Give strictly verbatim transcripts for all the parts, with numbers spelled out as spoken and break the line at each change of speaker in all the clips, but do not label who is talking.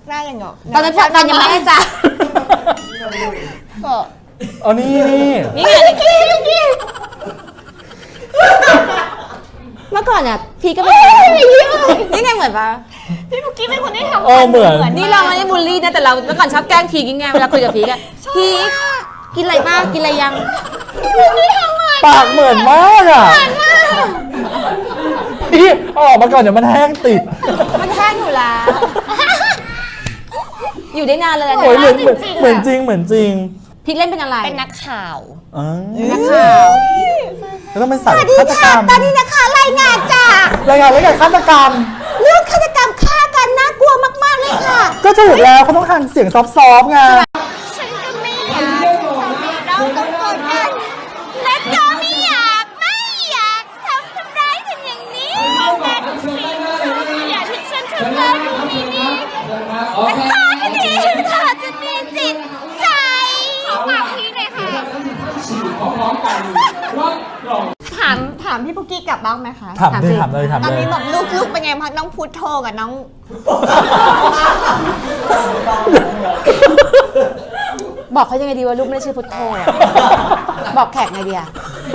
หน้าอย่างเงาะ
ตอนนั้นแฟนยังไม่ได้จ้ะ
อ๋อนี่นี่
นี่ไงเมื่อก่อนเนี่ยพี่ก็เป็นนี่ไงเหมือนปะ
พี่ปุกกี้เป็นคนที่ทำ
เออเหมือน
นี่เราไม่ได้บูลลี่นะแต่เราเมื่อก่อนชอบแกล้งพีกยังไงเวลาคุยกับพีกอะพีกกินอะไรบ้างกินอะไรยัง
ปากเหมือนมากอ่ะพี่ออกมาก่อนเดี๋ยวมันแห้งติด
มันแห้งอยู่แล้วอยู่ได้นานเลยนะ
เหมือนเหมือนจริงเหมือนจริง
พีกเล่นเป็นอะไร
เป็นนักข่าว
นักข่าว
แล้วต้องเป็นสายฆาตกรรม
ตอนนี้นะคะรายงานจ้าร
ายงานเรื่องการฆาตกรรม
เรื่องฆาตกรรมฆ่ากันน่ากลัวมากๆเลยค่ะ
ก็ถูกแล้วเขาต้องทำเสียงซอฟต์ๆไง
ฉันก็ไม่อยากทำให้เราต้องกดดันและก็ไม่อยากไม่อยากทำทำร้ายกันอย่างนี้มองแต่ทุกสิ่งทุกอย่างที่ฉันทำแล้วดูมีนี้และตอนนี้เธอจะมีจิตใจขอฝากพี่หน่อยค่ะถามถามพี่ปุกกี้กลับบ้างไหมคะ
ถามเลยถามเลยถามเลย
ตอนนี้แบบลูกลูกเป็นไงพักน้องพุทโธกับน้อง
บอกเขายังไงดีว่าลูกไม่ได้ชื่อพุทโธบอกแขกไงดีอะ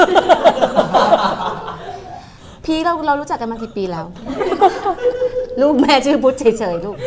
พี่เราเรารู้จักกันมากี่ปีแล้วลูกแม่ชื่อพุทธเฉยๆลูก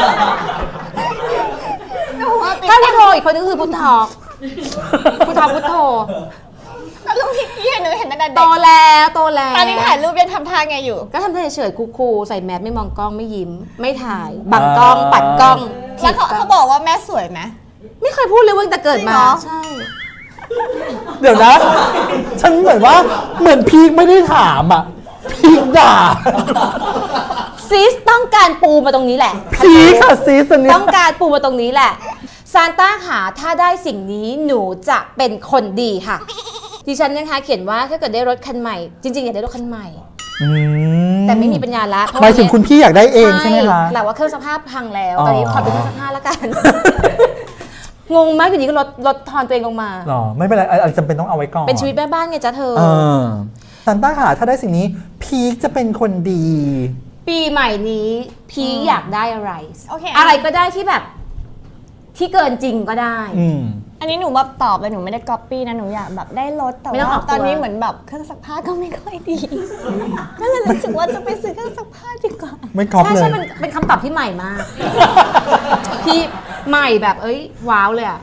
ถ้าพุทโธอีกคนนึงคือพุทธอกพุทธอกพุทโธ
แล้วลูกพี่กี้หนูเห็นตั้งแต่เด็ก
โตแล้วโตแล้ว
ตอนนี้ถ่ายรูปยังทำท่าไงอยู่
ก็ทำท่าเฉยๆคูลๆใส่แมสไม่มองกล้องไม่ยิ้มไม่ถ่ายบังกล้องปัดกล้อง
แล้วเขาเขาบอกว่าแม่สวยไหม
ไม่เคยพูดเลยว่าแต่เกิดมาใช่
เดี๋ยวนะฉันเหมือนว่าเหมือนพีคไม่ได้ถามอ่ะพีคด่า
ซีสต้องการปูมาตรงนี้แหละ
พีคค่ะซีสนี้
ต้องการปูมาตรงนี้แหละซานต้าค่ะถ้าได้สิ่งนี้หนูจะเป็นคนดีค่ะดิฉันนะคะเขียนว่าถ้าเกิดได้รถคันใหม่จริงๆอยากได้รถคันใหม่แต่ไม่มีปัญญาละ
หมายถึงคุณพี่อยากได้เองใช่ไหมคะ
แต่ว่าเครื่องซักผ้าพังแล้วตอนนี้ขอเป็นเครื่องซักผ้าแล้วกันงงมากอยู่นี้ก็ลดลดทอนตัวเองลงมา
หรอไม่เป็นไรอะไรจำเป็นต้องเอาไว้ก่อน
เป็นชีวิตแม่บ้านไงจ๊ะเธอ
ซานต้าค่ะถ้าได้สิ่งนี้พีคจะเป็นคนดี
ปีใหม่นี้พีคอยากได้อะไรอะไรก็ได้ที่แบบที่เกินจริงก็ได้
อันนี้หนูแบบตอบเลยหนูไม่ได้ก๊อปปี้นะหนูอยากแบบได้รถแต่ว่าตอนนี้เหมือนแบบเครื่องซักผ้าก็ไม่ค่อยดีก็เลยรู้สึกว่าจะไปซื้อเครื่องซักผ้าดีกว่า
ไม่ก๊อปเลย
ใช่ใช่เป็นคำตอบที่ใหม่มากที่ใหม่แบบเอ้ยว้าวเลยอ่ะ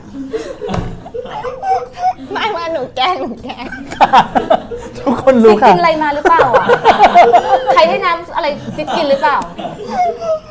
ไม่ว่าหนูแกล้งหนูแกล้ง
ทุกคนรู้ค่ะ
กินอะไรมาหรือเปล่าอ่ะใครให้น้ำอะไรซิกินหรือเปล่า